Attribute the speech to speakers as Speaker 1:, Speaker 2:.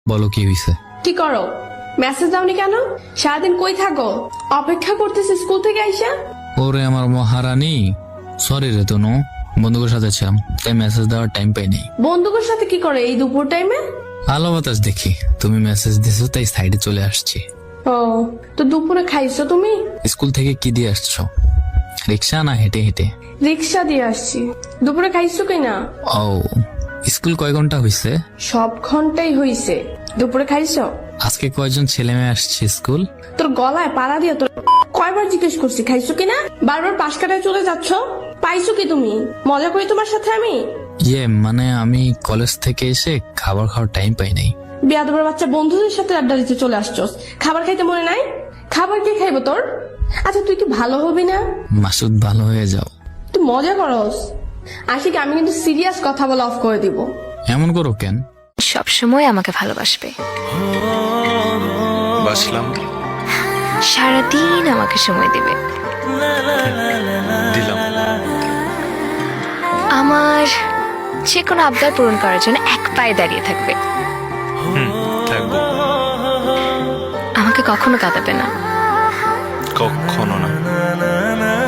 Speaker 1: বলো কি হইছে?
Speaker 2: কি করো? মেসেজ দাওনি কেন? সারাদিন কই থাকো? অপেক্ষা করতেছি স্কুল থেকে আইসা।
Speaker 1: ওরে আমার মহারানী, সরি রে তনু, বন্ধুদের সাথে ছিলাম তাই মেসেজ দেওয়ার টাইম পাই নাই।
Speaker 2: বন্ধুদের সাথে কি করে এই দুপুর টাইমে?
Speaker 1: আলো বাতাস দেখি, তুমি মেসেজ দিছো তাই সাইডে চলে আসছি।
Speaker 2: ও, তো দুপুরে খাইছো তুমি?
Speaker 1: স্কুল থেকে কি দিয়ে আসছো? রিক্সা না হেঁটে হেঁটে?
Speaker 2: রিক্সা দিয়ে আসছি। দুপুরে খাইছো কিনা?
Speaker 1: ও, স্কুল কয় ঘন্টা হইছে?
Speaker 2: সব ঘন্টাই হইছে। দুপুরে খাইছো?
Speaker 1: আজকে কয়জন ছেলে মেয়ে আসছে স্কুল?
Speaker 2: তোর গলায় পাড়া দিয়ে তোর কয়বার জিজ্ঞেস করছি খাইছো কিনা? বারবার পাশ কাটায় চলে যাচ্ছ। পাইছো কি তুমি? মজা করি তোমার সাথে আমি?
Speaker 1: মানে আমি কলেজ থেকে এসে খাবার খাওয়ার টাইম পাই নাই।
Speaker 2: বিয়াদবের বাচ্চা, বন্ধুদের সাথে আড্ডা দিতে চলে আসছস, খাবার খাইতে মনে নাই? খাবার কে খাইবো তোর? আচ্ছা তুই কি ভালো হবি না?
Speaker 1: মাসুদ ভালো হয়ে যাও।
Speaker 2: তুই মজা করস। আশিক, আমি কিন্তু সিরিয়াস কথা বলা অফ করে দিব।
Speaker 1: এমন করো কেন?
Speaker 3: সবসময় আমাকে ভালোবাসবে,
Speaker 4: বাসলাম,
Speaker 3: সারাদিন আমাকে সময় দিবে,
Speaker 4: দিলাম।
Speaker 3: আমার যে কোনো আবদার পূরণ করার জন্য এক পায়ে দাঁড়িয়ে থাকবে,
Speaker 4: থাকবো।
Speaker 3: আমাকে কখনো কাঁদাবে না।
Speaker 4: কখনো না।